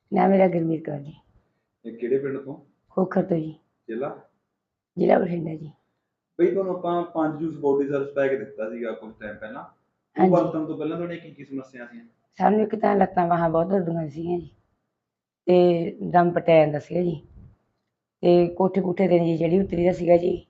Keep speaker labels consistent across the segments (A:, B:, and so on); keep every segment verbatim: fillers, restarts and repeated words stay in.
A: ਨਾਮ ਮੇਰਾ ਗੁਰਮੀਤ ਕੌਰ ਜੀ।
B: ਇਹ ਕਿਹੜੇ ਪਿੰਡ ਤੋਂ?
A: ਖੋਖਰ ਤੋਂ ਜੀ।
B: ਜ਼ਿਲ੍ਹਾ?
A: ਜ਼ਿਲ੍ਹਾ ਬਠਿੰਡਾ ਜੀ।
B: ਬਈ ਤੁਹਾਨੂੰ ਆਪਾਂ ਪੰਜ ਜੂਸ ਬੋਡੀ ਸਰਵਿਸ ਪੈਕ ਦਿੱਤਾ ਸੀਗਾ ਕੁਝ ਟਾਈਮ ਪਹਿਲਾਂ। ਉਹ
A: ਹਾਂਜੀ।
B: ਵਰਤਣ ਤੋਂ ਪਹਿਲਾਂ ਤੁਹਾਡੀਆਂ ਕੀ ਕੀ ਸਮੱਸਿਆ ਸੀ?
A: ਸਾਨੂੰ ਇੱਕ ਤਾਂ ਲੱਤਾਂ ਬਾਹਾਂ ਬਹੁਤ ਦਰਦੀਆਂ ਸੀਗੀਆਂ ਜੀ, ਤੇ ਦਮ ਪਟਿਆ ਜਾਂਦਾ ਸੀਗਾ ਜੀ, ਤੇ ਕੋਠੇ ਕੂਠੇ ਤੇ ਜੀ ਜਿਹੜੀ ਉਤਰੀ ਦਾ ਸੀਗਾ ਜੀ,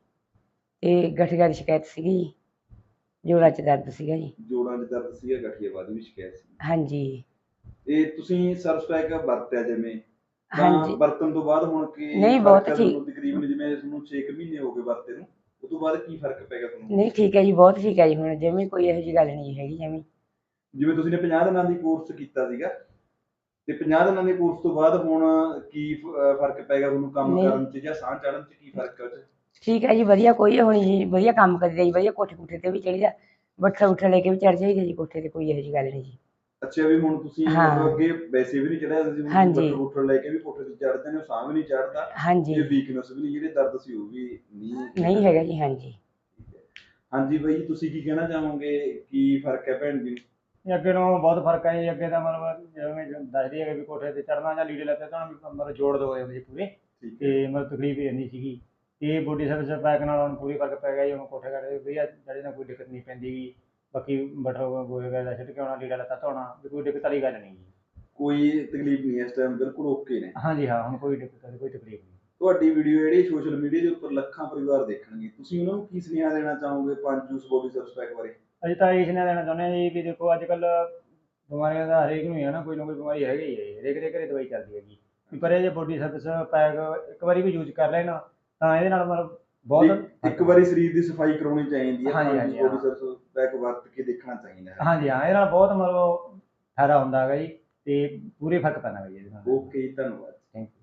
A: ਤੇ ਗਠੀਆ ਦੀ ਸ਼ਿਕਾਇਤ ਸੀਗੀ ਜੀ, ਜੋੜਾਂ 'ਚ ਦਰਦ ਸੀਗਾ ਜੀ।
B: ਜੋੜਾਂ 'ਚ ਦਰਦ ਸੀਗਾ, ਗਠੀਏਵਾਦੀ ਵੀ ਸ਼ਿਕਾਇਤ ਸੀ।
A: ਹਾਂਜੀ।
B: ਇਹ ਤੁਸੀਂ ਸਰਵਿਸ ਪੈਕ ਵਰਤਿਆ ਜਿਵੇਂ, ਤਾਂ
A: ਹਾਂਜੀ।
B: ਵਰਤਣ ਤੋਂ ਬਾਅਦ ਹੁਣ ਕੀ
A: ਨਹੀਂ,
B: ਫਰਕ
A: ਬਹੁਤ
B: ਹੈ
A: ਠੀਕ।
B: ਤੁਹਾਨੂੰ? ਤਕਰੀਬਨ ਜਿਵੇਂ ਤੁਹਾਨੂੰ ਛੇ ਕੁ ਮਹੀਨੇ ਹੋ ਗਏ ਵਰਤੇ ਨੂੰ, ਉਹ ਤੋਂ ਬਾਅਦ ਕੀ ਫਰਕ ਪੈ ਗਿਆ ਤੁਹਾਨੂੰ?
A: ਨਹੀਂ, ਠੀਕ ਹੈ ਜੀ, ਬਹੁਤ ਠੀਕ ਹੈ ਜੀ। ਹੁਣ ਜਿਵੇਂ ਕੋਈ ਇਹੋ ਜਿਹੀ ਗੱਲ ਨਹੀਂ ਹੈਗੀ ਜਿਵੇਂ।
B: ਜਿਵੇਂ ਤੁਸੀਂ ਨੇ ਪੰਜਾਹ ਦਿਨਾਂ ਦੀ ਕੋਰਸ ਕੀਤਾ ਸੀਗਾ, ਤੇ ਪੰਜਾਹ ਦਿਨਾਂ ਦੇ ਕੋਰਸ ਤੋਂ ਬਾਅਦ ਹੁਣ ਕੀ ਫ- ਫਰਕ ਪੈ ਗਿਆ ਤੁਹਾਨੂੰ ਕੰਮ
A: ਨਹੀਂ,
B: ਕਰਨ 'ਚ ਜਾਂ ਸਾਹ ਚੜ੍ਹਨ 'ਚ? ਕੀ ਫਰਕ ਹੈ ਉਹ 'ਚ?
A: ਠੀਕ ਹੈ ਜੀ, ਵਧੀਆ। ਕੋਈ ਹੋਣੀ ਜੀ, ਵਧੀਆ ਕੰਮ ਕਰੀਦਾ ਜੀ, ਵਧੀਆ ਕੋਠੇ ਕੂਠੇ ਤੇ ਵੀ ਚੜ੍ਹੀਦਾ, ਬੱਠਾ ਬੁੱਠਾ ਲੈ ਕੇ ਵੀ ਚੜ੍ਹ ਜਾਈਦਾ ਜੀ ਕੋਠੇ ਤੇ, ਕੋਈ ਇਹੋ ਜਿਹੀ ਗੱਲ ਨਹੀਂ ਜੀ।
B: ਅੱਛਾ, ਵੀ ਹੁਣ ਤੁਸੀਂ
A: ਹਾਂ।
B: ਮਤਲਬ ਅੱਗੇ ਵੈਸੇ ਵੀ ਨਹੀਂ ਚੜਿਆ ਸੀ, ਹੁਣ
A: ਹਾਂਜੀ।
B: ਬੱਟਰ ਬੁੱਟਰ ਲੈ ਕੇ ਵੀ ਕੋਠੇ ਤੇ ਚੜ੍ਹਦੇ ਨੇ, ਸਾਹ ਵੀ ਨਹੀਂ ਚੜ੍ਹਦਾ,
A: ਹਾਂਜੀ।
B: ਤੇ ਵੀਕਨੈਸ ਵੀ ਨਹੀਂ, ਜਿਹੜੇ ਦਰਦ ਸੀ ਉਹ ਵੀ ਨਹੀਂ
A: ਨਹੀਂ ਹੈਗਾ ਜੀ। ਹਾਂਜੀ।
B: ਠੀਕ ਹੈ। ਹਾਂਜੀ ਬਾਈ, ਤੁਸੀਂ ਕੀ ਕਹਿਣਾ ਚਾਹੋਗੇ? ਕੀ ਫਰਕ ਹੈ ਭੈਣ ਜੀ?
C: ਇਹ ਅੱਗੇ ਨਾਲੋਂ ਬਹੁਤ ਫਰਕ ਹੈ ਜੀ। ਅੱਗੇ ਤਾਂ ਮਤਲਬ ਜਿਵੇਂ ਦੱਸਦੀ ਹੈ ਵੀ ਕੋਠੇ ਤੇ ਚੜ੍ਹਨਾ ਜਾਂ ਲੀੜੇ ਲੱਤੇ ਤਾਂ ਮਤਲਬ ਜੋੜ ਦੋ ਹੋਏ ਜੀ ਪੂਰੇ,
B: ਠੀਕ ਹੈ।
C: ਤੇ ਮਤਲਬ ਤਕਲੀਫ ਹੀ ਇੰਨੀ ਸੀਗੀ। ਇਹ ਬੋਡੀ ਸਰਵਿਸ ਪੈਕ ਨਾਲ ਹੁਣ ਪੂਰੀ ਫਰਕ ਪੈ ਗਿਆ ਜੀ। ਹੁਣ ਕੋਠੇ ਕਰਦੇ ਵਧੀਆ ਚੜ੍ਹੇ ਨਾਲ ਕੋਈ ਦਿੱਕਤ ਨਹੀਂ ਪੈਂਦੀ ਗੀ। ਬਾਕੀ ਬਠਾ ਗੋਹੇ ਗਾਏ ਦਾ ਸਿੱਟ ਕੇ ਆਉਣਾ, ਲੀੜਾ ਲੱਤਾ ਧੋਣਾ, ਵੀ ਕੋਈ ਦਿੱਕਤ ਵਾਲੀ ਗੱਲ ਨਹੀਂ ਜੀ।
B: ਕੋਈ ਤਕਲੀਫ ਨਹੀਂ ਇਸ ਟਾਈਮ, ਬਿਲਕੁਲ ਓਕੇ ਨੇ?
C: ਹਾਂਜੀ ਹਾਂ, ਹੁਣ ਕੋਈ ਦਿੱਕਤ ਵਾਲੀ ਕੋਈ ਤਕਲੀਫ ਨਹੀਂ।
B: ਤੁਹਾਡੀ ਵੀਡੀਓ ਜਿਹੜੀ ਸੋਸ਼ਲ ਮੀਡੀਆ ਦੇ ਉੱਪਰ ਲੱਖਾਂ ਪਰਿਵਾਰ ਦੇਖਣਗੇ, ਤੁਸੀਂ ਉਹਨਾਂ ਨੂੰ ਕੀ ਸੁਨੇਹਾ ਦੇਣਾ ਚਾਹੋਗੇ ਪੰਜ ਜੂਸ ਬੋਡੀ ਸਰਵਿਸ ਪੈਕ ਬਾਰੇ?
C: ਅਸੀਂ ਤਾਂ ਇਹ ਸੁਨੇਹਾ ਦੇਣਾ ਚਾਹੁੰਦੇ ਹਾਂ ਜੀ ਵੀ ਦੇਖੋ, ਅੱਜ ਕੱਲ੍ਹ ਬਿਮਾਰੀਆਂ ਦਾ ਹਰੇਕ ਨੂੰ ਹੀ ਹੈ ਨਾ, ਕੋਈ ਨਾ ਕੋਈ ਬਿਮਾਰੀ ਹੈਗੀ ਹੀ ਹੈ ਜੀ, ਹਰੇਕ ਦੇ ਘਰੇ ਦਵਾਈ ਚੱਲਦੀ ਹੈਗੀ। ਵੀ ਪਰ ਇਹ ਜੇ ਬੋਡੀ ਸਰਵਿਸ ਪੈਕ ਇੱਕ ਵਾਰੀ ਵੀ ਯੂਜ਼ ਕਰ ਲੈਣ ਤਾਂ ਇਹਦੇ ਨਾਲ ਮਤਲਬ ਬਹੁਤ
B: ਇੱਕ ਵਾਰੀ ਸਰੀਰ ਦੀ ਸਫਾਈ ਕਰਾਉਣੀ ਚਾਹੀਦੀ ਹੈ।
C: ਹਾਂਜੀ,
B: ਪੰਜ
C: ਹਾਂਜੀ,
B: ਜੂਸ ਬੋਡੀ
C: ਹਾਂ।
B: ਸਰਵਿਸ ਪੈਕ ਵਰਤ ਕੇ ਦੇਖਣਾ ਚਾਹੀਦਾ ਹੈ।
C: ਹਾਂਜੀ ਹਾਂ, ਇਹਦੇ ਨਾਲ ਬਹੁਤ ਮਤਲਬ ਫਾਇਦਾ ਹੁੰਦਾ ਹੈਗਾ ਜੀ, ਤੇ ਪੂਰੇ ਫਰਕ ਪੈਂਦਾ ਹੈਗਾ ਜੀ ਇਹਦੇ ਨਾਲ।
B: ਓਕੇ, ਧੰਨਵਾਦ।
C: Thank you.